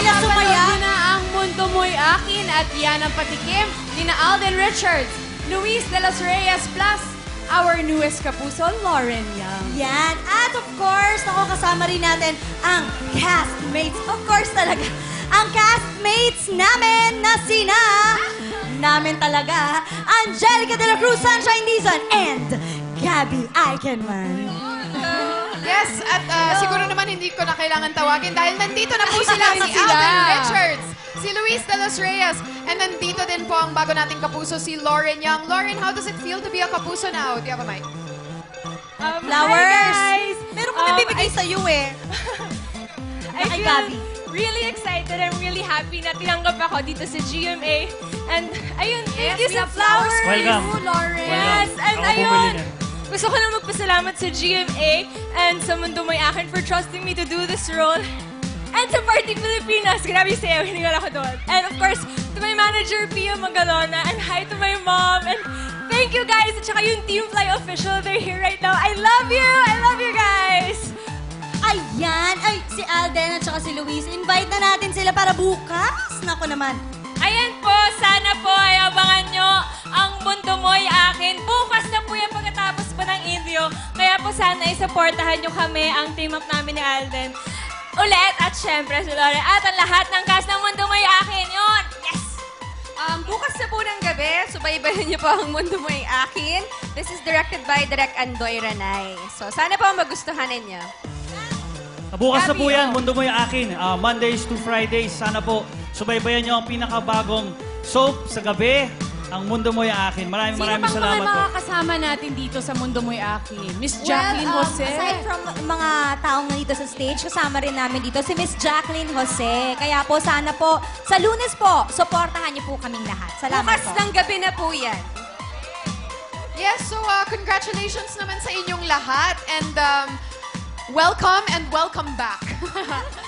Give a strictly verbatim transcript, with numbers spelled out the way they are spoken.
sila sumaya. Napapanood na ang Mundo Mo'y Akin at yan ang patikim ni na Alden Richards, Luis de los Reyes plus our newest kapuso, Lauren Young. Yan. At of course, ako kasama rin natin ang castmates. Of course talaga. Ang castmates namin na sina... namin talaga. Angelica de la Cruz, Sunshine Dizon, and Gabby Eichenman. Yes, at uh, siguro naman hindi ko na kailangan tawagin dahil nandito na po sila, si Sila. Alden Richards, si Luis de los Reyes, and nandito din po ang bago nating kapuso, si Lauren Young. Lauren, how does it feel to be a kapuso now? Do you have a mic? Um, Flowers. Hi guys! Meron ko Um, nabibigay sa'yo eh. I Kay feel Gabby. really excited. I'm really happy na tinanggap ako dito sa G M A. And ayun, thank you Yes, sa may flowers flowers. for Welcome. you, Lauren. Yes, and Ako ayun. bumili niyan. Gusto ko lang magpasalamat sa G M A and sa Mundo Mo'y Akin for trusting me to do this role. And sa Party Pilipinas, grabe sa'yo, hiningal ako doon. And of course, to my manager, Pia Magalona, and hi to my mom. And thank you guys, at saka yung Team Fly official, they're here right now. I love you! I love you guys! Ayan. Ay, si Alden at saka si Luis. Invite na natin sila para bukas. Naku naman. Ayan po, sana po ay abangan nyo ang Mundo Mo'y Akin. Bukas na po yan pagkatapos pa ng intro. Kaya po sana isupportahan nyo kami, ang team up namin ni Alden. Ulit, at syempre si Lauren, at ang lahat ng cast ng Mundo Mo'y Akin. Yun! Yes! Um, bukas na po ng gabi, subaybayan niyo po ang Mundo Mo'y Akin. This is directed by Direk Andoy Ranay. So, sana po magustuhan ninyo. Bukas na po Gabi, yan, oh. Mundo Mo'y Akin. Ah, Mondays to Fridays. Sana po subaybayan nyo ang pinakabagong soap sa gabi, ang Mundo Mo'y Akin. Maraming Sino maraming bang salamat mga po. makakasama natin dito sa Mundo Mo'y Akin? Miss Jacqueline well, um, Jose. aside from mga taong nandito sa stage, kasama rin namin dito si Miss Jacqueline Jose. Kaya po, sana po, sa Lunes po, supportahan niyo po kaming lahat. Salamat Bukas po. ng gabi na po yan. Yes, so uh, congratulations naman sa inyong lahat and um, welcome and welcome back.